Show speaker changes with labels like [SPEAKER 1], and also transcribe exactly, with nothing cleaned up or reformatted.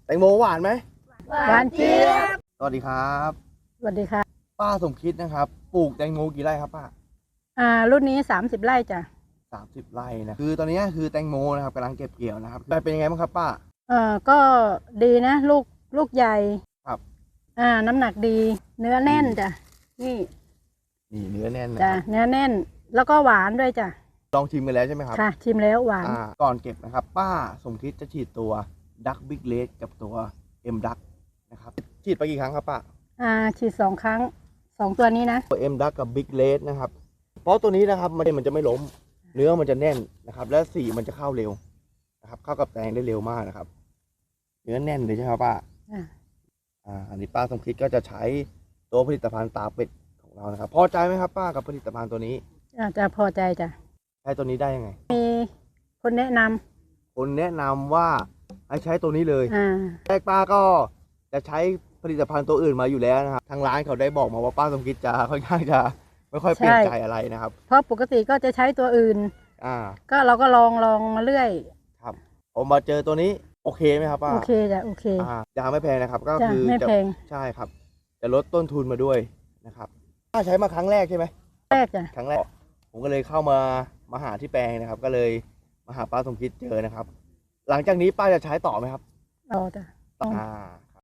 [SPEAKER 1] แตงโมหวานไหม
[SPEAKER 2] หวานเจี๊ยบ
[SPEAKER 1] สวัสดีครับ
[SPEAKER 2] สวัสดีค่ะ
[SPEAKER 1] ป้าสมคิดนะครับปลูกแตงโมกี่ไร่ครับป้า
[SPEAKER 2] อ่ารุ่นนี้สามสิบไร่จ้ะ
[SPEAKER 1] สามสิบไร่นะคือตอนนี้คือแตงโมนะครับกำลังเก็บเกี่ยวนะครับได้เป็นยังไงบ้างครับป้า
[SPEAKER 2] เออก็ดีนะลูกลูกใหญ่
[SPEAKER 1] ครับ
[SPEAKER 2] อ่าน้ำหนักดีเนื้อแน่นจ้ะนี่
[SPEAKER 1] นี่เนื้อแน่นนะ
[SPEAKER 2] จ้ะเนื้อแน่นแล้วก็หวานด้วยจ้ะ
[SPEAKER 1] ลองชิมกันแล้วใช่ไหมครับ
[SPEAKER 2] ค่ะชิมแล้วหวาน
[SPEAKER 1] อ่าก่อนเก็บนะครับป้าสมคิดจะฉีดตัวดักบิ๊กเลสกับตัวเอ็มดักนะครับฉีดไปกี่ครั้งครับป้า
[SPEAKER 2] อ่าฉีดสองครั้งสองตัวนี้นะ
[SPEAKER 1] ตัวเอ็มดักกับบิ๊กเลสนะครับเพราะตัวนี้นะครับมันมันจะไม่ล้มเนื้อมันจะแน่นนะครับและสีมันจะเข้าเร็วนะครับเข้ากับแตงได้เร็วมากนะครับเนื้อแน่นเลยใช่ไหมครับป้า
[SPEAKER 2] อ่า
[SPEAKER 1] อ่าอันนี้ป้าสมคิดก็จะใช้ตัวผลิตภัณฑ์ตาเป็ดของเรานะครับพอใจไหมครับป้ากับผลิตภัณฑ์ตัวนี้
[SPEAKER 2] อาจจะพอใจจ้ะ
[SPEAKER 1] ใช้ตัวนี้ได้ยังไง
[SPEAKER 2] มีคนแนะน
[SPEAKER 1] ำคนแนะนำว่าให้ใช้ตัวนี้เลย
[SPEAKER 2] อ่า
[SPEAKER 1] แรกป้าก็จะใช้ผลิตภัณฑ์ตัวอื่นมาอยู่แล้วนะครับทางร้านเขาได้บอกมาว่าป้าสมคิดจะค่อนข้างจะไม่ค่อยเปลี่ยนใจอะไรนะครับ
[SPEAKER 2] เพราะปกติก็จะใช้ตัวอื่น
[SPEAKER 1] อ่า
[SPEAKER 2] ก็เราก็ลองลองมาเรื่อย
[SPEAKER 1] ครับผมมาเจอตัวนี้โอเคไหมครับป้า
[SPEAKER 2] โอเคจ้ะโอเค
[SPEAKER 1] อ่ายาไม่แพงนะครับก็คือ
[SPEAKER 2] ไม่แพง
[SPEAKER 1] ใช่ครับจะลดต้นทุนมาด้วยนะครับป้าใช้มาครั้งแรกใช่ไหม
[SPEAKER 2] แรกจ้ะ
[SPEAKER 1] ครั้งแรกผมก็เลยเข้ามามาหาที่แปลงนะครับก็เลยมาหาป้าสมคิดเจอนะครับหลังจากนี้ป้าจะใช้ต่อไหมครับ
[SPEAKER 2] ต่อจ้ะ
[SPEAKER 1] อ่า